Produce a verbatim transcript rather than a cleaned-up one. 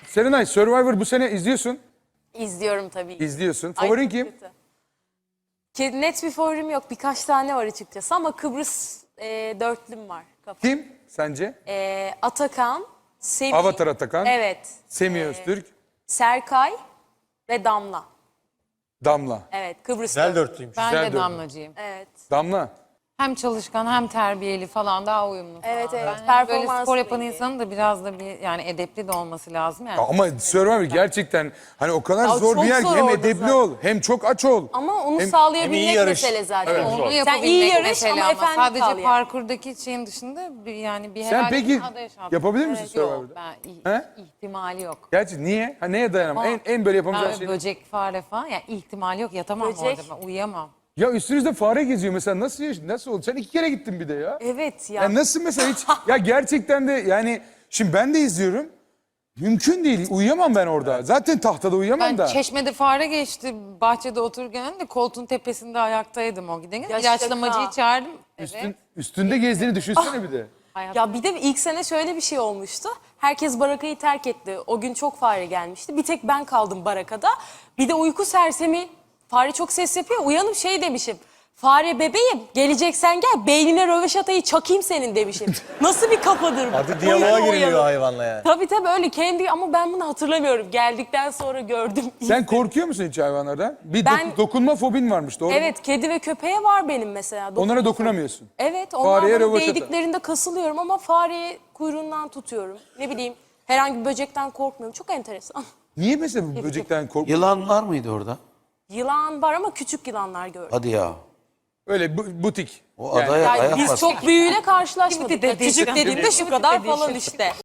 Serenay, Survivor bu sene izliyorsun. İzliyorum tabii. İzliyorsun. Ay, Favorin çok kim? kötü. Ke- Net bir favorim yok. Birkaç tane var açıkçası ama Kıbrıs e, dörtlüm var. Kafamda. Kim sence? E, Atakan, Semih. Avatar Atakan. Evet. Semih e, Öztürk. Serkay ve Damla. Damla. Evet, Kıbrıs Güzel dörtlü. dörtlüymüş. Ben Güzel de dördü. Damlacıyım. Evet. Damla. Hem çalışkan hem terbiyeli falan daha uyumlu falan. Evet, evet. Ben böyle Performansı spor da yapan iyi. insanın da biraz da bir yani edepli de olması lazım yani. Ama Survivor gerçekten hani o kadar Ya zor çok bir yer ki zor hem orada edepli zaten. ol hem çok aç ol. Ama onu Hem- hem iyi sağlayabilmek yarış. mesele zaten. Evet, Onu Sen yapabilmek iyi yarış mesele ama ama efendi sadece kal yani. parkurdaki şeyin dışında bir, yani bir Sen herhangi peki bir ada yaşam. yapabilir misin Yok Survivor'da? ben ih- He? ihtimali yok. Gerçi niye? Ha, neye dayanamam? En, en böyle yapamayacağın Yani şey. böcek, fare falan yani ihtimali yok yatamam Böcek. orada ben uyuyamam. Ya üstünüzde fare geziyor mesela nasıl yaş- nasıl oldu? Sen iki kere gittin bir de ya. Evet ya. Ya nasıl mesela hiç ya gerçekten de yani şimdi ben de izliyorum. Mümkün değil. Uyuyamam ben orada. Zaten tahtada uyuyamam Ben da. Çeşme'de fare geçti bahçede otururken de koltuğun tepesinde ayaktaydım o giden. Ya İlaçlamacıyı şaka. çağırdım. Üstün, Evet. üstünde gezdiğini düşünsene bir de. Hayat- Ya bir de ilk sene şöyle bir şey olmuştu. Herkes barakayı terk etti. O gün çok fare gelmişti. Bir tek ben kaldım barakada. Bir de uyku sersemi. Fare çok ses yapıyor. Uyanıp şey demişim. Fare bebeğim geleceksen gel beynine röveşatayı çakayım senin demişim. Nasıl bir kafadır bu? Hadi diyaloğa Uyanı giriliyor uyanı. hayvanla yani. Tabii tabii öyle kendi ama ben bunu hatırlamıyorum. Geldikten sonra gördüm. Sen korkuyor musun hiç hayvanlardan? Bir Ben- doku- dokunma fobin varmış doğru mu? Evet kedi ve köpeğe var benim mesela. Onlara dokunamıyorsun. Evet onlar Fareye bana röveşata. değdiklerinde kasılıyorum ama fareye kuyruğundan tutuyorum. Ne bileyim herhangi bir böcekten korkmuyorum. Çok enteresan. Niye mesela bu böcekten korkuyorsun? Yılan var mıydı orada? Yılan var ama küçük yılanlar gördüm. Hadi ya. Öyle bu- butik. O adaya Yani ayak biz bas. çok büyüğüyle karşılaşmadık. Kimdi dediği Küçük şey? dediğimde şu kadar falan işte.